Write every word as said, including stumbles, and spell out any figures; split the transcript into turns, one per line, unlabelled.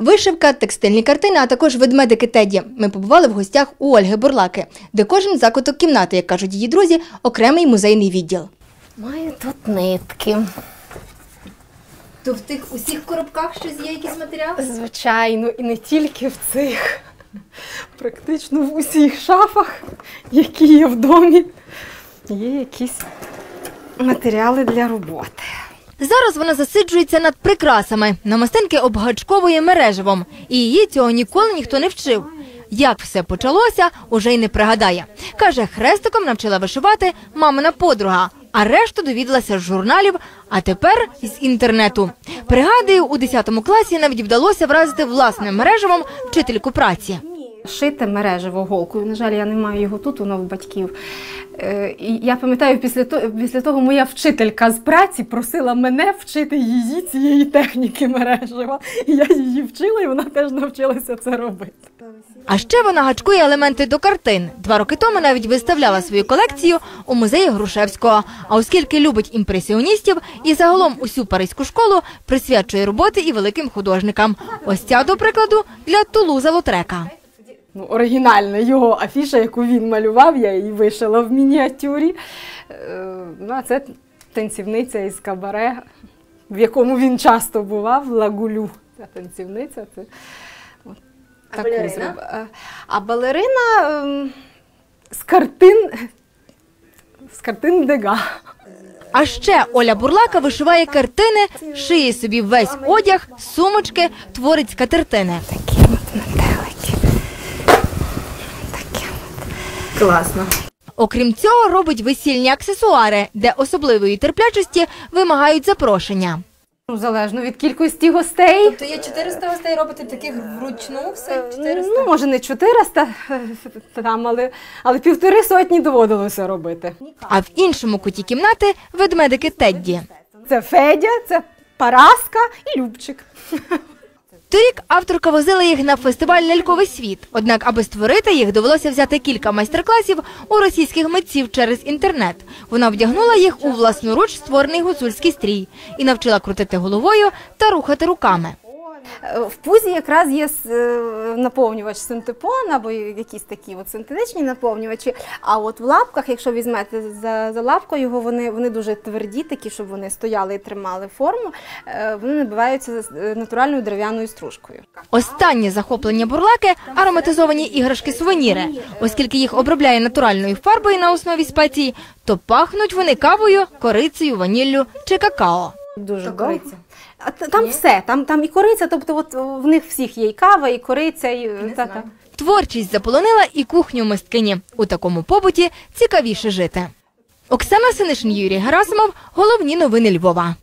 Вишивка, текстильні картини, а також ведмедики Тедді. Ми побували в гостях у Ольги Бурлаки, де кожен закуток кімнати, як кажуть її друзі, окремий музейний відділ.
Маю тут нитки.
То в тих усіх коробках щось є, якісь матеріали?
Звичайно, і не тільки в цих. Практично в усіх шафах, які є в домі, є якісь матеріали для роботи.
Зараз вона засиджується над прикрасами. Намистинки обгачковує мереживом. І її цього ніколи ніхто не вчив. Як все почалося, уже й не пригадає. Каже, хрестиком навчила вишивати мамина подруга, а решту довідалася з журналів, а тепер з інтернету. Пригадує, у десятому класі навіть вдалося вразити власним мереживом вчительку праці.
Шите мережево голкою, на жаль, я не маю його тут, воно в батьків. І я пам'ятаю, після того, після того моя вчителька з праці просила мене вчити її цієї техніки мережева. І я її вчила, і вона теж навчилася це робити.
А ще вона гачкує елементи до картин. Два роки тому навіть виставляла свою колекцію у музеї Грушевського. А оскільки любить імпресіоністів і загалом усю паризьку школу, присвячує роботи і великим художникам. Ось ця, до прикладу, для Тулуза Лотрека.
Ну, оригінальна його афіша, яку він малював, я її вишила в мініатюрі. Ну, а це танцівниця із кабаре, в якому він часто бував, Лагулю. Ця танцівниця. Це... От,
а балерина?
А, а балерина ем, з картин, з картин Дега.
А ще Оля Бурлака вишиває картини, шиє собі весь одяг, сумочки, творить скатертини.
Такі от метелики. Такі от. Класно.
Окрім цього, робить весільні аксесуари, де особливої терплячості вимагають запрошення.
Залежно від кількості гостей.
Тобто є чотириста гостей, робите таких вручну, все чотириста?
Ну, може не чотириста, там, але, але півтори сотні доводилося робити.
А в іншому куті кімнати ведмедики Тедді.
Це Федя, це Параска і Любчик.
Торік авторка возила їх на фестиваль «Ляльковий світ». Однак, аби створити їх, довелося взяти кілька майстер-класів у російських митців через інтернет. Вона вдягнула їх у власноруч створений гуцульський стрій і навчила крутити головою та рухати руками.
В пузі якраз є наповнювач синтепон або якісь такі от синтетичні наповнювачі, а от в лапках, якщо візьмете за, за лапку його, вони, вони дуже тверді, такі, щоб вони стояли і тримали форму, вони набиваються натуральною дерев'яною стружкою.
Останнє захоплення Бурлаки – ароматизовані іграшки-сувеніри. Оскільки їх обробляє натуральною фарбою на основі спецій, то пахнуть вони кавою, корицею, ваніллю чи какао.
Дуже добре. Там все, там, там і кориця, тобто от в них всіх є і кава, і кориця, і... Та, та.
Творчість заполонила і кухню мисткині. У такому побуті цікавіше жити. Оксана Синишин, Юрій Герасимов. Головні новини Львова.